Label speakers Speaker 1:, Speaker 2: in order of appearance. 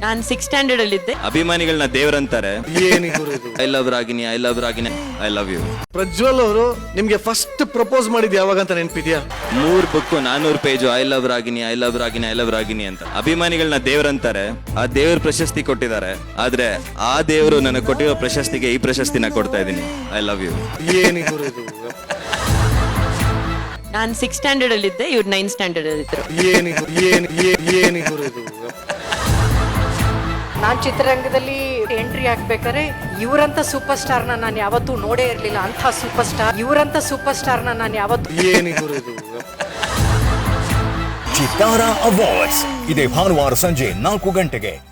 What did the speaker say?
Speaker 1: ನಾನು 6th standard ಅಲ್ಲಿ ಇದ್ದೆ.
Speaker 2: ಅಭಿಮಾನಿಗಳನ್ನ ದೇವರಂತಾರೆ.
Speaker 3: ಏನಿದು
Speaker 2: I love Ragini, I love Ragini, I love you.
Speaker 3: Prajwal ಅವರು ನಿಮ್ಗೆ ಫಸ್ಟ್ ಪ್ರಪೋಸ್ ಮಾಡಿದ್ ಯಾವಾಗ ಅಂತ ನೆನ್ಪಿದ್ಯಾ?
Speaker 2: 3 book 400 page I love Ragini, I love Ragini, I love Ragini ಅಂತ. ಅಭಿಮಾನಿಗಳನ್ನ ದೇವರಂತಾರೆ. ಆ ದೇವ್ರ ಪ್ರಶಸ್ತಿ ಕೊಟ್ಟಿದ್ದಾರೆ. ಆದ್ರೆ ಆ ದೇವರು ನನಗೆ ಕೊಟ್ಟಿರೋ ಪ್ರಶಸ್ತಿಗೆ ಈ ಪ್ರಶಸ್ತಿನ ಕೊಡ್ತಾ ಇದ್ದೀನಿ. I love you.
Speaker 3: ಏನಿದು
Speaker 1: ನಾನು 6th ಸ್ಟ್ಯಾಂಡರ್ಡ್ ಅಲ್ಲಿ ಇದ್ದೆ, ಇವ್ರು 9th ಸ್ಟ್ಯಾಂಡರ್ಡ್ ಅಲ್ಲಿ ಇದ್ರು.
Speaker 3: ಏನಿದು
Speaker 4: ನಾನು ಚಿತ್ರರಂಗದಲ್ಲಿ ಎಂಟ್ರಿ ಹಾಕ್ಬೇಕಾದ್ರೆ ಇವರಂತ ಸೂಪರ್ ಸ್ಟಾರ್ನ ನಾನು ಯಾವತ್ತೂ ನೋಡೇ ಇರಲಿಲ್ಲ. ಅಂಥ ಸೂಪರ್ ಸ್ಟಾರ್, ಇವರಂತ ಸೂಪರ್ ಸ್ಟಾರ್ನ ನಾನು ಯಾವತ್ತೂ.
Speaker 3: ಏನಿದು
Speaker 5: ಚಿತ್ತಾರ ಅವಾರ್ಡ್ಸ್ ಇದೇ ಭಾನುವಾರ ಸಂಜೆ 4 ಗಂಟೆಗೆ.